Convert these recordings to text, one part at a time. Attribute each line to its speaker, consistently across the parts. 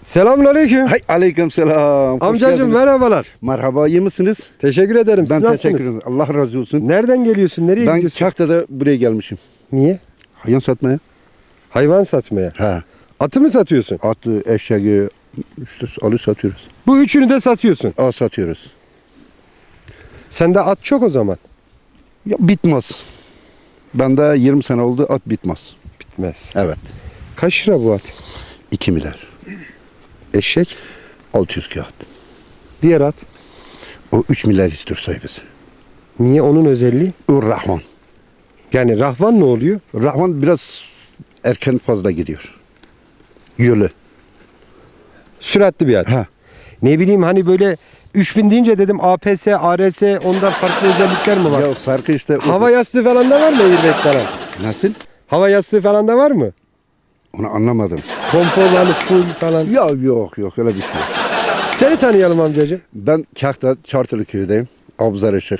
Speaker 1: Selamünaleyküm.
Speaker 2: Hay aleyküm selam. Hoş
Speaker 1: Amcacığım
Speaker 2: geldiniz.
Speaker 1: merhabalar.
Speaker 2: Merhaba, iyi misiniz?
Speaker 1: Teşekkür ederim.
Speaker 2: Ben
Speaker 1: Siz nasılsınız?
Speaker 2: teşekkür ederim. Allah razı olsun.
Speaker 1: Nereden geliyorsun? Nereye
Speaker 2: Ben
Speaker 1: gidiyorsun?
Speaker 2: Kahta'da buraya gelmişim.
Speaker 1: Niye?
Speaker 2: Hayvan satmaya.
Speaker 1: Hayvan satmaya.
Speaker 2: He.
Speaker 1: Atı mı satıyorsun?
Speaker 2: Atı, eşeği, işte alı satıyoruz.
Speaker 1: Bu üçünü de satıyorsun.
Speaker 2: Satıyoruz.
Speaker 1: Sende at çok o zaman.
Speaker 2: Ya bitmez. Bende 20 sene oldu, at bitmez.
Speaker 1: Bitmez.
Speaker 2: Evet.
Speaker 1: Kaç lira bu at?
Speaker 2: 2 milyar.
Speaker 1: Eşek.
Speaker 2: 600 kağıt.
Speaker 1: Diğer at.
Speaker 2: O 3 milyar istiyor sahibiz.
Speaker 1: Niye? Onun özelliği?
Speaker 2: O Rahman.
Speaker 1: Yani rahvan ne oluyor?
Speaker 2: Rahman biraz erken fazla gidiyor. Yolu.
Speaker 1: Süratli bir at.
Speaker 2: Ha.
Speaker 1: Ne bileyim hani böyle 3000 deyince dedim APS, ARS onda farklı özellikler mi var?
Speaker 2: Ya farkı işte.
Speaker 1: Hava yastığı falan da var mı airbag falan?
Speaker 2: Nasıl?
Speaker 1: Hava yastığı falan da var mı?
Speaker 2: Onu anlamadım.
Speaker 1: Konforlu full falan.
Speaker 2: Ya yok öyle bir şey yok.
Speaker 1: Seni tanıyalım amcacığım.
Speaker 2: Ben Kahta Çartılı köyüdeyim. Abzar Işık.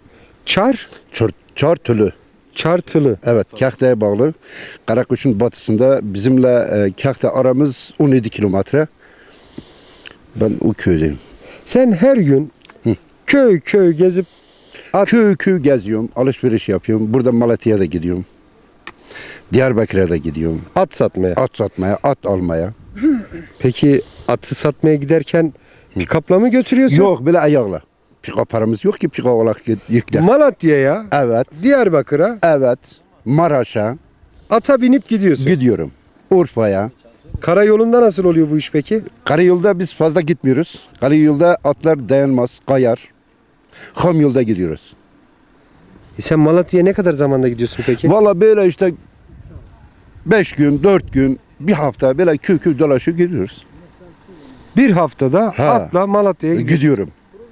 Speaker 2: Çartılı.
Speaker 1: Çartılı.
Speaker 2: Evet, Kahta'ya bağlı. Karakuş'un batısında bizimle Kahta aramız 17 kilometre. Ben o köydeyim.
Speaker 1: Sen her gün köy köy gezip
Speaker 2: Köy geziyorum, alışveriş yapıyorum. Burada Malatya'ya da gidiyorum. Diyarbakır'a da gidiyorum.
Speaker 1: at satmaya.
Speaker 2: At satmaya, at almaya.
Speaker 1: Peki atı satmaya giderken pikapla mı götürüyorsun?
Speaker 2: Yok, böyle ayakla. Pika paramız yok ki pika olarak yükle.
Speaker 1: Malatya'ya,
Speaker 2: Evet,
Speaker 1: Diyarbakır'a
Speaker 2: evet. Maraş'a
Speaker 1: ata binip gidiyorsun.
Speaker 2: gidiyorum. Urfa'ya.
Speaker 1: Karayolunda nasıl oluyor bu iş peki?
Speaker 2: Karayolda biz fazla gitmiyoruz. Karayolda atlar dayanmaz, kayar. Ham yolda gidiyoruz.
Speaker 1: Sen Malatya'ya ne kadar zamanda gidiyorsun peki?
Speaker 2: Valla böyle işte 5 gün, 4 gün, bir hafta böyle köy dolaşıp gidiyoruz.
Speaker 1: Bir haftada
Speaker 2: Ha.
Speaker 1: atla Malatya'ya gidiyorsun.
Speaker 2: Gidiyorum.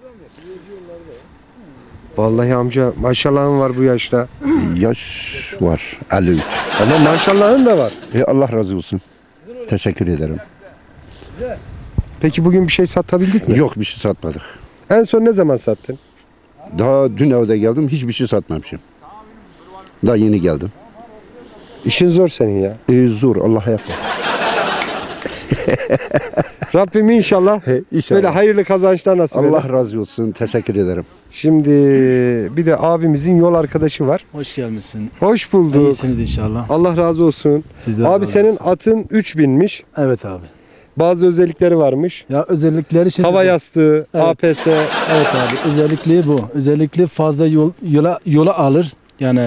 Speaker 1: Vallahi amca maşallahın var bu yaşta.
Speaker 2: Yaş var, 53.
Speaker 1: Ama maşallahın da var.
Speaker 2: Allah razı olsun. Teşekkür ederim.
Speaker 1: Peki bugün bir şey satabildik mi?
Speaker 2: Yok, bir şey satmadık.
Speaker 1: En son ne zaman sattın?
Speaker 2: Daha dün evde geldim, hiçbir şey satmamışım. Daha yeni geldim.
Speaker 1: İşin zor senin ya.
Speaker 2: Zor, Allah'a yapma.
Speaker 1: Rabbim inşallah
Speaker 2: İnşallah.
Speaker 1: böyle hayırlı kazançlar nasip eder.
Speaker 2: Allah razı olsun, teşekkür ederim.
Speaker 1: Şimdi bir de abimizin yol arkadaşı var.
Speaker 3: Hoş gelmişsin.
Speaker 1: Hoş bulduk.
Speaker 3: İyisiniz inşallah.
Speaker 1: Allah razı olsun.
Speaker 3: Sizden
Speaker 1: Abi
Speaker 3: razı
Speaker 1: senin
Speaker 3: olsun.
Speaker 1: atın 3000'miş.
Speaker 3: Evet abi.
Speaker 1: Bazı özellikleri varmış.
Speaker 3: Ya özellikleri şimdi
Speaker 1: Hava yastığı,
Speaker 3: Evet.
Speaker 1: APS.
Speaker 3: Evet abi. Özellikle bu. Özellikle fazla yola alır. Yani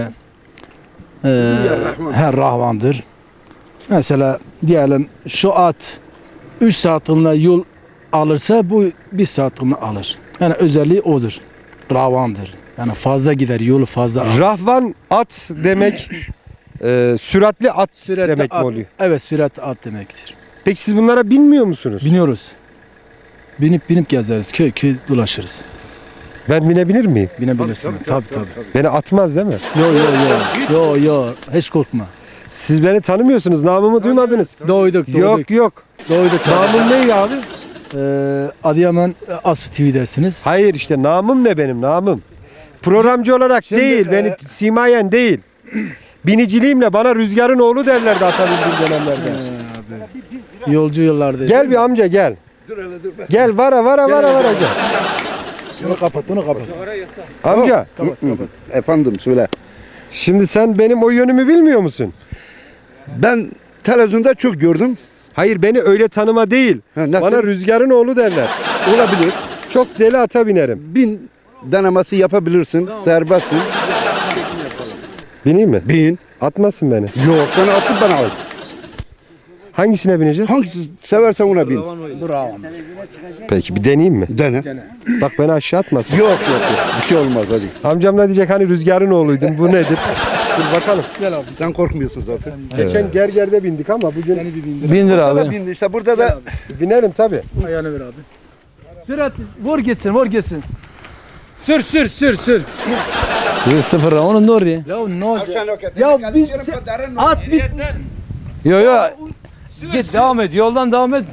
Speaker 3: her rahvandır. Mesela diyelim şu at 3 saatliğine yol alırsa bu 1 saatliğine alır. Yani özelliği odur. Rahvandır. Yani fazla gider, yolu fazla alır.
Speaker 1: Rahvan at demek süratli at
Speaker 3: Süratli
Speaker 1: demek
Speaker 3: at,
Speaker 1: mi oluyor?
Speaker 3: Evet, süratli at demektir.
Speaker 1: Peki siz bunlara binmiyor musunuz?
Speaker 3: Biniyoruz. Binip gezeriz. Köy dolaşırız.
Speaker 1: Ben binebilir miyim?
Speaker 3: Binebilirsin. Tabii.
Speaker 1: Beni atmaz değil mi?
Speaker 3: Yo. Hiç korkma.
Speaker 1: Siz beni tanımıyorsunuz. Namımı duymadınız.
Speaker 3: Doyduk.
Speaker 1: Yok.
Speaker 3: Doyduk.
Speaker 1: Namım ne abi?
Speaker 3: Adıyaman Asu TV'desiniz.
Speaker 1: Hayır işte namım ne benim namım. Programcı olarak
Speaker 3: Şimdi,
Speaker 1: değil, beni simayen değil. Biniciliğimle bana Rüzgar'ın oğlu derlerdi atabildiğim dönemlerde.
Speaker 3: Yolcu yıllarda.
Speaker 1: Gel bir amca gel. Gel vara gel.
Speaker 3: Bunu kapat.
Speaker 1: Amca
Speaker 2: Efendim, söyle.
Speaker 1: şimdi sen benim o yönümü bilmiyor musun?
Speaker 2: Ben televizyonda çok gördüm.
Speaker 1: Hayır beni öyle tanıma değil.
Speaker 2: Ha, nasıl?
Speaker 1: Bana Rüzgar'ın oğlu derler.
Speaker 2: Olabilir.
Speaker 1: Çok deli ata binerim.
Speaker 2: Bin denemesi yapabilirsin, serbestsin.
Speaker 1: Bineyim mi?
Speaker 2: Bin.
Speaker 1: Atmasın beni.
Speaker 2: Yok, sana atıp bana al.
Speaker 1: Hangisine bineceğiz?
Speaker 2: Hangisi seversen ona bin.
Speaker 3: Bravo.
Speaker 1: Peki bir deneyeyim mi?
Speaker 2: Dene.
Speaker 1: Bak beni aşağı atmasın.
Speaker 2: Yok. Bir şey olmaz, hadi.
Speaker 1: Amcam da diyecek hani Rüzgar'ın oğluydun bu nedir? Dur bakalım.
Speaker 3: Gel abi.
Speaker 2: Sen korkmuyorsun zaten.
Speaker 1: Geçen gergerde bindik ama bugün
Speaker 3: Bindir
Speaker 2: Burada da
Speaker 3: abi.
Speaker 2: bindi işte, burada da
Speaker 1: binerim tabi.
Speaker 3: Ayağını ver abi. Sürat vur gitsin. Sür. Sıfır onun doğru ya. Ya ne olacak? Ya biz at bit. Yo. Git devam et. Yoldan devam et.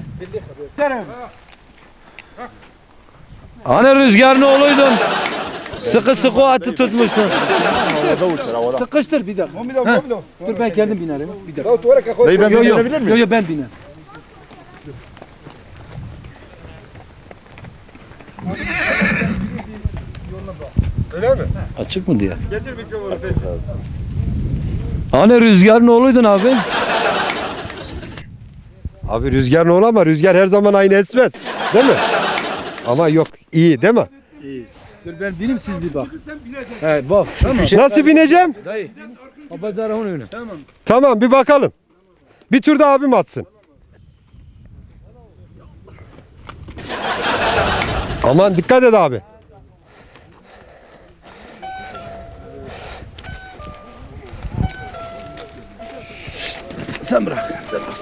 Speaker 3: Hani Rüzgar'ın oğluydun. Sıkı o atı tutmuşsun. Sıkıştır bir dakika. Dur ben kendim binerim. Bir dakika.
Speaker 2: Dayı, ben
Speaker 3: Yo ben binerim.
Speaker 1: Öyle mi?
Speaker 3: Açık mı diye.
Speaker 1: Getir mikrofonu.
Speaker 3: Hani Rüzgar'ın oğluydun abi?
Speaker 1: Abi Rüzgar ne olur ama Rüzgar her zaman aynı esmez. Değil mi? Ama yok iyi değil mi?
Speaker 3: Dur ben bineyim siz bir bak. He bak. Tamam.
Speaker 1: Nasıl bineceğim?
Speaker 3: Dayı. Haberdar onun önüne. Tamam.
Speaker 1: Tamam bir bakalım. Bir tur da abim atsın. Aman dikkat et abi.
Speaker 3: Sen bırak. Sen bırak.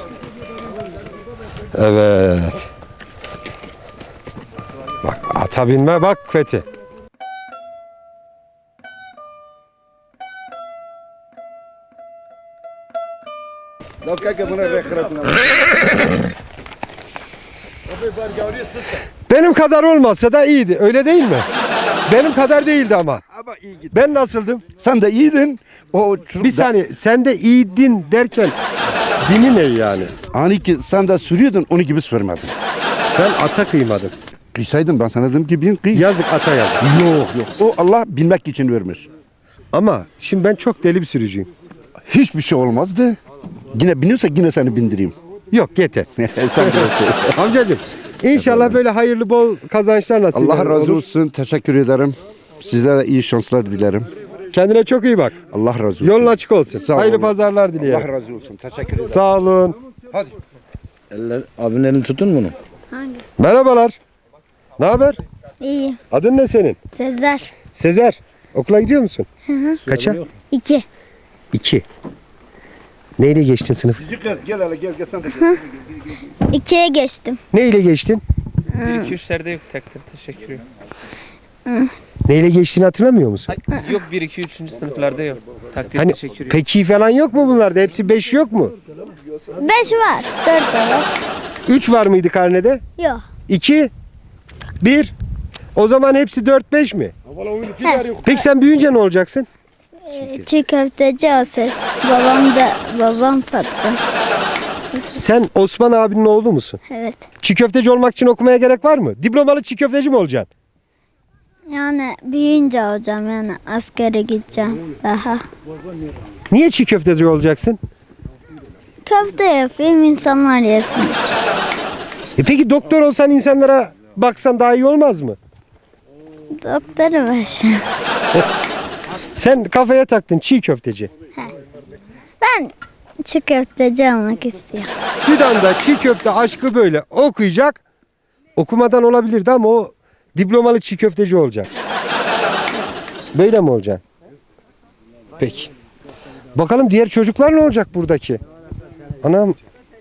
Speaker 1: Evet. Bak ata binme bak Fethi. Benim kadar olmasa da iyiydi. Öyle değil mi? Benim kadar değildi ama.
Speaker 2: Ama iyi git.
Speaker 1: Ben nasıldım?
Speaker 2: Sen de iyiydin. O çocuk
Speaker 1: Bir saniye sen de iyiydin derken dini ne yani?
Speaker 2: Hani ki sen de sürüyordun onu gibi sürmedin.
Speaker 1: Ben ata kıymadım.
Speaker 2: Kıysaydın ben sana dedim ki bin kıy.
Speaker 1: Yazık ata yazık.
Speaker 2: Yok yok. O Allah bilmek için vermiş.
Speaker 1: Ama şimdi ben çok deli bir sürücüyüm.
Speaker 2: Hiçbir şey olmazdı. Yine biniyorsa yine seni bindireyim.
Speaker 1: Yok yeter.
Speaker 2: Sen bilirsin.
Speaker 1: Amcacığım inşallah böyle hayırlı bol kazançlar nasip
Speaker 2: Allah razı
Speaker 1: olur.
Speaker 2: olsun. Teşekkür ederim. Size de iyi şanslar dilerim.
Speaker 1: Kendine çok iyi bak.
Speaker 2: Allah razı olsun.
Speaker 1: Yolun açık olsun.
Speaker 2: Sağ
Speaker 1: Hayırlı
Speaker 2: olun.
Speaker 1: pazarlar
Speaker 2: Allah
Speaker 1: dileyelim.
Speaker 2: razı olsun. Teşekkür ederim.
Speaker 1: Sağ olun.
Speaker 2: Hadi.
Speaker 3: Abinin elini tutun bunu.
Speaker 4: Hangi?
Speaker 1: Merhabalar. Ne haber?
Speaker 4: İyi.
Speaker 1: Adın ne senin?
Speaker 4: Sezer.
Speaker 1: Sezer. Okula gidiyor musun? Kaça?
Speaker 4: 2.
Speaker 1: 2. Neyle geçtin sınıf?
Speaker 2: Gel hele gel sen de gel.
Speaker 4: 2'ye geçtim.
Speaker 1: Neyle geçtin?
Speaker 5: 1-2-3'lerde yok takdir teşekkür ederim.
Speaker 1: Neyle geçtiğini hatırlamıyor musun?
Speaker 5: Yok 1-2-3. sınıflarda yok. Takdir
Speaker 1: Hani
Speaker 5: teşekkür ederim.
Speaker 1: peki falan yok mu bunlarda? Hepsi 5 yok mu?
Speaker 4: 5 var. 4 de var.
Speaker 1: 3 var mıydı karnede?
Speaker 4: Yok.
Speaker 1: 2 1. O zaman hepsi 4-5 mi? Peki sen büyüyünce ne olacaksın?
Speaker 4: Çiğ köfteci o ses. Babam patron.
Speaker 1: Sen Osman abinin oğlu musun?
Speaker 4: Evet.
Speaker 1: Çiğ köfteci olmak için okumaya gerek var mı? Diplomalı çiğ köfteci mi olacaksın?
Speaker 4: Yani büyüyünce olacağım yani askere gideceğim daha.
Speaker 1: Niye çiğ köfteci olacaksın?
Speaker 4: Köfte yapayım insanlar yesin için.
Speaker 1: Peki doktor olsan insanlara baksan daha iyi olmaz mı?
Speaker 4: Doktoru başı.
Speaker 1: Sen kafaya taktın çiğ köfteci.
Speaker 4: Ben çiğ köfteci olmak istiyorum.
Speaker 1: Fidan'da çiğ köfte aşkı böyle okuyacak. Okumadan olabilirdi ama o diplomalı çiğ köfteci olacak. Böyle mi olacak? Peki. Bakalım diğer çocuklar ne olacak buradaki? Anam.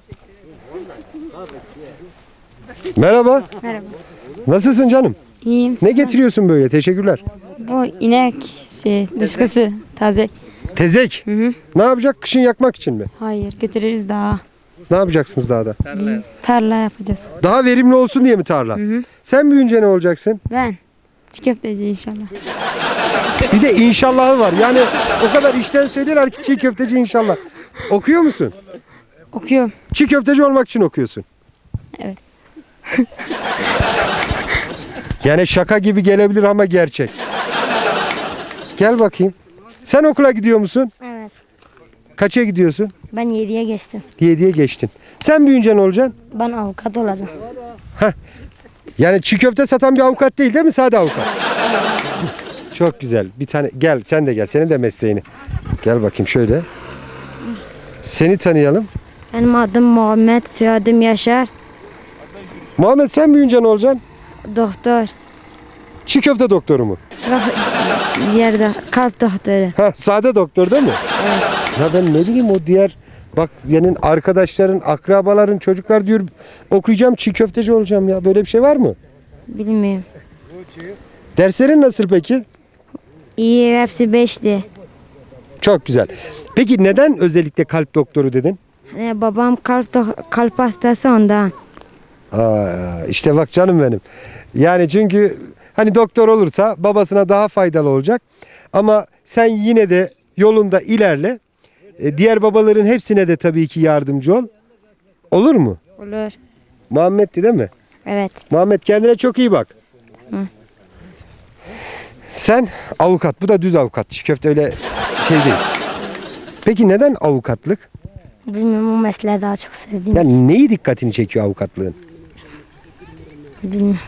Speaker 1: Merhaba.
Speaker 6: Merhaba.
Speaker 1: Nasılsın canım?
Speaker 6: İyiyim.
Speaker 1: Ne getiriyorsun böyle? Teşekkürler.
Speaker 6: Bu inek dışkısı taze.
Speaker 1: Tezek. Ne yapacak? Kışın yakmak için mi?
Speaker 6: Hayır götürürüz daha.
Speaker 1: Ne yapacaksınız daha da?
Speaker 6: Tarla yapacağız.
Speaker 1: Daha verimli olsun diye mi tarla? Sen büyüyünce ne olacaksın?
Speaker 6: Ben çiğ köfteci inşallah.
Speaker 1: Bir de inşallahı var. Yani o kadar işten söylüyorlar ki çiğ köfteci inşallah. Okuyor musun?
Speaker 6: Okuyorum.
Speaker 1: Çiğ köfteci olmak için okuyorsun.
Speaker 6: Evet.
Speaker 1: Yani şaka gibi gelebilir ama gerçek. Gel bakayım. Sen okula gidiyor musun?
Speaker 7: Evet.
Speaker 1: Kaça gidiyorsun?
Speaker 7: Ben 7'ye geçtim.
Speaker 1: 7'ye geçtin. Sen büyüyünce ne olacaksın?
Speaker 7: Ben avukat olacağım.
Speaker 1: Yani çiğ köfte satan bir avukat değil mi? Sade avukat. Çok güzel. Bir tane gel sen de gel. Senin de mesleğini. Gel bakayım şöyle. Seni tanıyalım.
Speaker 7: Benim adım Muhammed, soyadım Yaşar.
Speaker 1: Muhammed sen büyüyünce ne olacaksın?
Speaker 7: Doktor.
Speaker 1: Çiğ köfte doktoru mu?
Speaker 7: Yerde kalp doktoru.
Speaker 1: Ha, sade doktor değil mi? Evet. Ya ben ne bileyim o diğer bak senin arkadaşların, akrabaların, çocuklar diyor okuyacağım çiğ köfteci olacağım ya. Böyle bir şey var mı?
Speaker 7: Bilmiyorum.
Speaker 1: Derslerin nasıl peki?
Speaker 7: İyi, hepsi 5'ti.
Speaker 1: Çok güzel. Peki neden özellikle kalp doktoru dedin?
Speaker 7: Hani babam kalp hastası ondan.
Speaker 1: Aa, işte bak canım benim. Yani çünkü hani doktor olursa babasına daha faydalı olacak. Ama sen yine de yolunda ilerle. Diğer babaların hepsine de tabii ki yardımcı ol. Olur mu?
Speaker 7: Olur.
Speaker 1: Muhammed'ti değil mi?
Speaker 7: Evet.
Speaker 1: Muhammed kendine çok iyi bak. Sen avukat. Bu da düz avukat. Çiğ köfte öyle şey değil. Peki neden avukatlık?
Speaker 7: Bilmiyorum, o mesleği daha çok sevdiğim için.
Speaker 1: Yani neyi dikkatini çekiyor avukatlığın?
Speaker 7: Bilmiyorum.